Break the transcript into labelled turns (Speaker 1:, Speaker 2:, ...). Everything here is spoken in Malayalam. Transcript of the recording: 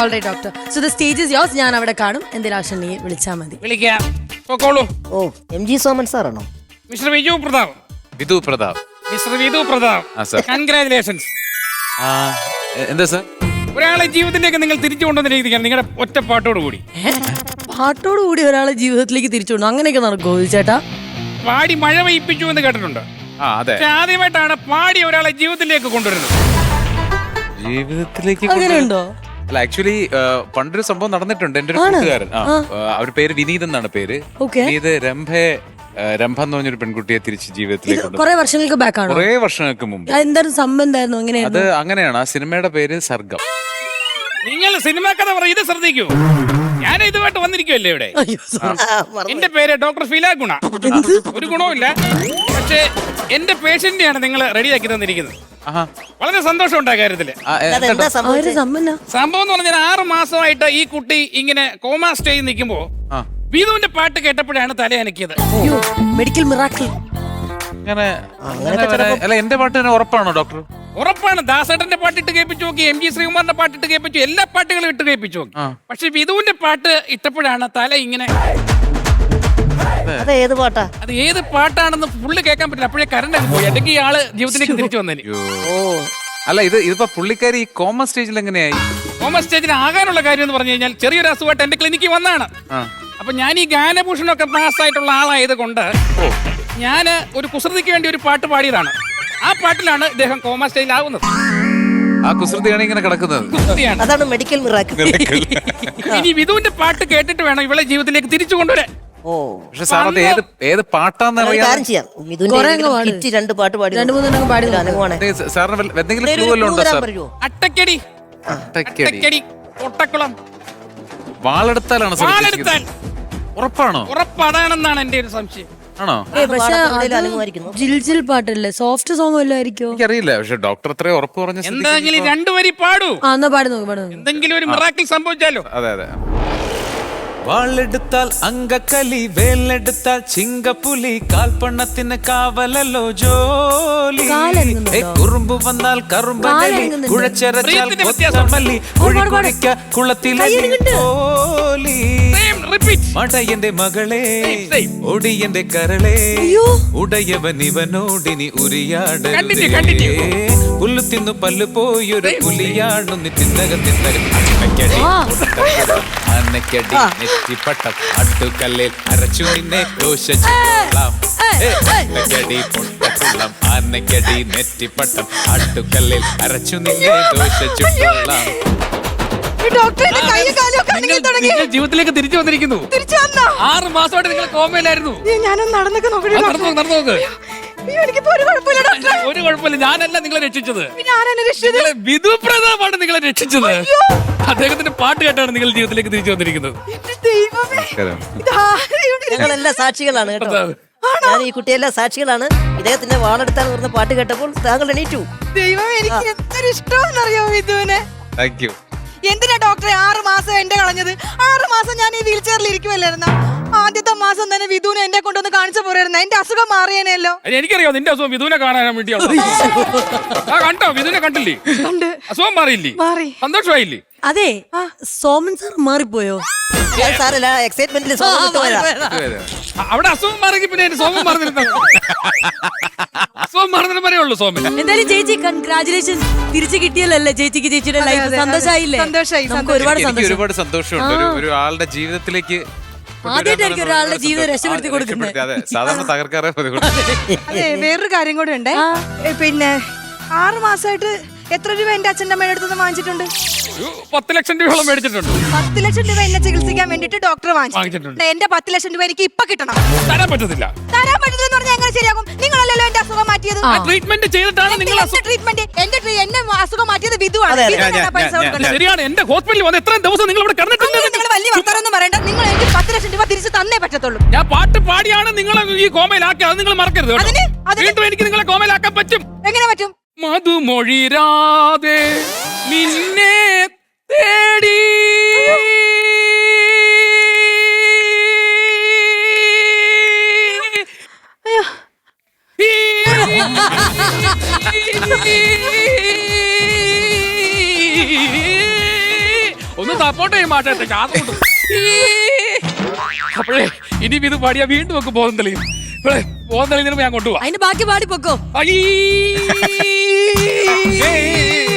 Speaker 1: Alright doctor. So the stage is yours. ഞാൻ അവിടെ കാണും. എന്തെങ്കിലും ആവശ്യം നീ വിളിച്ചാൽ മതി.
Speaker 2: വിളിക്കാം. പൊക്കോളൂ.
Speaker 3: ഓ MG സോമൻ സാറാണോ?
Speaker 2: Mister Viju Prathap.
Speaker 4: Vidhu Prathap.
Speaker 2: Mister Vidhu Prathap. Congratulations.
Speaker 4: എന്താ സാർ?
Speaker 2: ഒരാളെ ജീവിതത്തിലേക്ക് നിങ്ങൾ തിരിച്ചു കൊണ്ടുവന്നിരിക്കുകയാണ് നിങ്ങളുടെ ഒറ്റ പാട്ടോട് കൂടി.
Speaker 1: പാട്ടോടുകൂടി ഒരാളെ ജീവിതത്തിലേക്ക് തിരിച്ചുകൊണ്ടു അങ്ങനെയൊക്കെ നടക്കുമോ ചേട്ടാ?
Speaker 2: പാടി മഴ പെയ്യിപ്പിച്ചു എന്ന് കേട്ടിട്ടുണ്ട്.
Speaker 4: അതെ.
Speaker 2: പക്ഷെ ആദ്യമായിട്ടാണ് പാടി ഒരാളെ ജീവിതത്തിലേക്ക് കൊണ്ടുവരുന്നത്.
Speaker 4: ജീവിതത്തിലേക്ക്
Speaker 1: അങ്ങനെയുണ്ടോ?
Speaker 4: അല്ല, ആക്ച്വലി പണ്ടൊരു സംഭവം നടന്നിട്ടുണ്ട്. എന്റെ ഒരു കൂട്ടുകാരൻ, അവരുടെ പേര് വിനീത് എന്നാണ് പേര്. വിനീത് രംഭ എന്ന് പറഞ്ഞൊരു പെൺകുട്ടിയെ തിരിച്ച് ജീവിതത്തിലേക്ക്
Speaker 1: കുറെ വർഷങ്ങൾക്ക് ബാക്ക് ആണ്.
Speaker 4: കുറെ വർഷങ്ങൾക്ക് മുമ്പ്.
Speaker 1: എന്തായിരുന്നു സംബന്ധായിരുന്നു?
Speaker 4: അത് അങ്ങനെയാണ്. ആ സിനിമയുടെ പേര് സർഗം.
Speaker 2: നിങ്ങൾ സിനിമ കഥ പറയും, ഇത് ശ്രദ്ധിക്കൂ. ഞാൻ ഇതുമായിട്ട് വന്നിരിക്കുമല്ലേ ഇവിടെ. എന്റെ പേര് ഡോക്ടർ ഫില ഗുണ. ഒരു ഗുണവുമില്ല, പക്ഷേ എന്റെ പേഷ്യന്റിനെയാണ് നിങ്ങൾ റെഡിയാക്കി തന്നിരിക്കുന്നത്. വളരെ സന്തോഷം ഉണ്ട് ആ കാര്യത്തില്. സംഭവം എന്ന് പറഞ്ഞാൽ 6 മാസമായിട്ട് ഈ കുട്ടി ഇങ്ങനെ കോമാ സ്റ്റേജിൽ നിൽക്കുമ്പോ വിധുവിന്റെ പാട്ട് കേട്ടപ്പോഴാണ് തല അനക്കിയത്.
Speaker 1: Medical miracle.
Speaker 4: അല്ല, എന്റെ പാട്ട് തന്നെ ഉറപ്പാണോ ഡോക്ടർ?
Speaker 2: ഉറപ്പാണ്. ദാസേട്ടന്റെ പാട്ടിട്ട് കേൾപ്പിച്ചു നോക്കി, MG ശ്രീകുമാറിന്റെ പാട്ടിട്ട് കേൾപ്പിച്ചു, എല്ലാ പാട്ടുകളും ഇട്ട് കേൾപ്പിച്ചു നോക്കി. പക്ഷെ വിധുവിന്റെ പാട്ട് ഇട്ടപ്പോഴാണ് തല ഇങ്ങനെ.
Speaker 3: അത് ഏത് പാട്ടാ?
Speaker 2: അത് ഏത് പാട്ടാണെന്ന് ഫുള്ള് കേൾക്കാൻ പറ്റില്ല. അപ്പോഴേ കറണ്ട് അങ്ങ് പോയി. അല്ലെങ്കിൽ ആള് ജീവിതത്തിലേക്ക് തിരിച്ചു വന്നേനെ.
Speaker 4: അല്ല, ഇതിപ്പോ പുള്ളിക്കാരി ഈ കോമ സ്റ്റേജിൽ എങ്ങനെയായി?
Speaker 2: കോമ സ്റ്റേജിന് ആകാനുള്ള കാര്യം എന്ന് പറഞ്ഞു കഴിഞ്ഞാൽ ചെറിയൊരു അസുഖമായിട്ട് എന്റെ ക്ലിനിക്കിൽ വന്നാണ്. അപ്പൊ ഞാൻ ഈ ഗാനഭൂഷണമൊക്കെ പാസ്സായിട്ടുള്ള ആളായത് കൊണ്ട് ഞാൻ ഒരു കുസൃതിക്ക് വേണ്ടി ഒരു പാട്ട് പാടിയതാണ്. ആ പാട്ടിലാണ് ഇദ്ദേഹം കോമ സ്റ്റേജിലാവുന്നത്.
Speaker 4: ആ കുസൃതിയാണ് ഇങ്ങനെ കിടക്കുന്നത്.
Speaker 3: അതാണ് മെഡിക്കൽ മിറാക്കിൾ.
Speaker 2: ഇനി വിധുവിന്റെ പാട്ട് കേട്ടിട്ട് വേണം ഇവളെ ജീവിതത്തിലേക്ക് തിരിച്ചു കൊണ്ടുവരാൻ.
Speaker 4: പക്ഷെ സാർ, അത് ഏത് പാട്ടാന്ന് അറിയാം. സാറിന് എന്തെങ്കിലും ക്ലൂ വല്ലതും ഉണ്ടോ സാർ?
Speaker 2: അട്ടക്കടി, അട്ടക്കടി, ഒട്ടക്കുളം.
Speaker 4: വാളെടുത്താലാണ് സാർ?
Speaker 2: വാളെടുത്താൽ.
Speaker 4: ഉറപ്പാണോ?
Speaker 2: ഉറപ്പ് അതാണെന്നാണ് എന്റെ ഒരു സംശയം.
Speaker 4: ആണോ?
Speaker 1: ജിൽ പാട്ടല്ലേ, സോഫ്റ്റ് സോങ് വല്ലതും ആയിരിക്കോ?
Speaker 4: എനിക്കറിയില്ല. പക്ഷെ ഡോക്ടർ അത്രയും ഉറപ്പ് പറഞ്ഞ
Speaker 2: എന്തെങ്കിലും 2 വരി പാടൂ. എന്തെങ്കിലും ഒരു മിറാക്കിൾ സംഭവിച്ചാലോ.
Speaker 4: അതെ അതെ.
Speaker 5: വാളെടുത്താൽ അങ്കക്കലി, വേലെടുത്താൽ ചിങ്കപ്പുലി, കാൽപ്പണ്ണത്തിന് കാവലല്ലോ ജോലി. കുറുമ്പ് വന്നാൽ കറുമ്പലി, കുഴച്ചരച്ചാൽ കൊത്തമല്ലി, കുഴിക്കുഴിക്ക കുളത്തിലെ തോലി. മടയന്റെ മകളെ, ഒടിയന്റെ കരളെ, ഉടയവൻ ഇവനോടിനി ഉരിയാടേ. പുല്ലു തിന്നു പല്ലു പോയൊരു പുലിയാണു നി തിന്നക തിന്നക. അന്നക്കടി നെറ്റിപ്പട്ടം അട്ടുകല്ലിൽ അരച്ചു നിന്നെ ദോഷിച്ചുകൊള്ളാം. അന്നക്കടി പൊട്ടക്കുള്ളം, അന്നക്കടി നെറ്റിപ്പട്ടം അട്ടുകല്ലിൽ അരച്ചു നിന്നെ ദോഷിച്ചുകൊള്ളാം.
Speaker 2: ജീവിതത്തിലേക്ക് തിരിച്ചു വന്നിരിക്കുന്നു. 6 മാസമായിട്ട് നിങ്ങൾ കോമയിലായിരുന്നു. ഒരു കുഴപ്പമില്ല. ഞാനല്ല നിങ്ങളെ രക്ഷിച്ചത്. വിധു പ്രതാപാണ് നിങ്ങളെ രക്ഷിച്ചത്. അദ്ദേഹത്തിന്റെ പാട്ട് കേട്ടാണ് നിങ്ങൾ ജീവിതത്തിലേക്ക് തിരിച്ചു വന്നിരിക്കുന്നത്.
Speaker 3: ഞങ്ങളെല്ലാം സാക്ഷികളാണ് കേട്ടോ. ഞാൻ ഈ കുട്ടിയെല്ലാം സാക്ഷികളാണ്. ഇദ്ദേഹത്തിന്റെ വാളെടുത്താൽ പറഞ്ഞ പാട്ട് കേട്ടപ്പോൾ താങ്കൾ എണീറ്റു.
Speaker 6: ദൈവം, എനിക്ക് എന്തൊരു ഇഷ്ടമെന്നറിയോ വിധുവിനെ.
Speaker 4: Thank you.
Speaker 6: എന്തിനാ ഡോക്ടറെ 6 മാസം എന്റെ കളഞ്ഞത്? 6 മാസം ഞാൻ ഈ വീൽ ചെയറിൽ ഇരിക്കുമല്ലായിരുന്ന? ആദ്യത്തെ മാസം തന്നെ വിധുവിനെ എന്നെ കൊണ്ടൊന്ന് കാണിച്ചു പോരായിരുന്നു. എന്റെ അസുഖം മാറിയേനല്ലോ.
Speaker 2: എനിക്കറിയാം നിന്റെ അസുഖം വിധുവിനെ കാണാൻ വേണ്ടിയാണ്. കണ്ടോ? വിധുവിനെ കണ്ടില്ലേ? അസുഖം മാറിയില്ലേ?
Speaker 6: മാറി.
Speaker 2: സന്തോഷമായില്ലേ?
Speaker 1: അതെ. സോമൻ സാർ മാറിപ്പോയോ?
Speaker 3: സാറല്ല, എക്സൈറ്റ്മെന്റിൽ
Speaker 2: അവിടെ അസുഖം മാറി. പിന്നെ സോമൻ മാറുന്നില്ല. അസുഖം മാറുന്നതിന് പറയുള്ളൂ സോമൻ.
Speaker 1: എന്തായാലും ചേച്ചി കൺഗ്രാജുലേഷൻ. തിരിച്ചു കിട്ടിയല്ലേ ചേച്ചിക്ക് ചേച്ചിയുടെ ലൈഫ്? സന്തോഷമായില്ലേ?
Speaker 4: ഒരുപാട് സന്തോഷമുണ്ട്. ഒരു ആളുടെ ജീവിതത്തിലേക്ക്
Speaker 1: ആദ്യമായിട്ടായിരിക്കും ഒരാളുടെ ജീവിതം രക്ഷപ്പെടുത്തി കൊടുക്കുന്നത്.
Speaker 4: സാധാരണ തകർക്കാറേ.
Speaker 6: അതെ, വേറൊരു കാര്യം കൂടെ ഉണ്ട്. പിന്നെ 6 മാസമായിട്ട് എത്ര രൂപ എന്റെ അച്ഛൻ്റെ അമ്മയുടെ അടുത്ത് വാങ്ങിച്ചിട്ടുണ്ട്?
Speaker 2: 10 ലക്ഷം രൂപയോളം മേടിച്ചിട്ടുണ്ട്.
Speaker 6: 10 ലക്ഷം രൂപ എന്നെ ചികിത്സിക്കാൻ വേണ്ടിട്ട് ഡോക്ടർ വാങ്ങിച്ചിട്ടുണ്ട്. എന്റെ 10 ലക്ഷം രൂപ എനിക്ക് ഇപ്പൊ കിട്ടണം.
Speaker 2: തരാൻ പറ്റത്തില്ല.
Speaker 6: തരാൻ പറ്റില്ല എന്ന് പറഞ്ഞാൽ എങ്ങനെ ശരിയാകും? നിങ്ങളല്ലല്ലോ എന്റെ അസുഖം മാറ്റിയത്.
Speaker 2: ട്രീറ്റ്മെന്റ് ചെയ്തിട്ടാണ് നിങ്ങൾ
Speaker 6: ട്രീറ്റ്മെന്റ്. എന്നെ അസുഖം മാറ്റിയത് വിധുവാണ്.
Speaker 2: ശരിയാണ്. എന്റെ ഹോസ്പിറ്റലിൽ വന്ന് എത്രയും ദിവസം നിങ്ങൾ ഇവിടെ കിടന്നിട്ടുണ്ട്.
Speaker 6: നിങ്ങൾ വലിയ വർത്താനൊന്നും പറയണ്ട. നിങ്ങൾ എനിക്ക് 10 ലക്ഷം രൂപ തിരിച്ചു തന്നേ പറ്റത്തുള്ളൂ.
Speaker 2: ഞാൻ പാട്ട് പാടിയാണ് നിങ്ങൾ ഈ കോമയിലാക്കി. അത് നിങ്ങൾ മറക്കരുത്. വീണ്ടും എനിക്ക് നിങ്ങളെ കോമയിലാക്കാൻ പറ്റും.
Speaker 6: എങ്ങനെ പറ്റും?
Speaker 2: മധുമൊഴിരാതെ നിന്നെ തേടി ഒന്ന് സപ്പോർട്ട് ചെയ്യും മാഷേ ശ്വാസം മുട്ടും. അപ്പോഴേ ഇനി ഇത് പാടിയാ വീണ്ടും ഒക്കെ ബോധം തെളിയും. ഇവിടെ ബോധം തെളിയുന്നതിന് ഞാൻ കൊണ്ടുപോവാ.
Speaker 1: അതിന്റെ ബാക്കി പാടി പൊക്കോ.
Speaker 2: അയ്യേ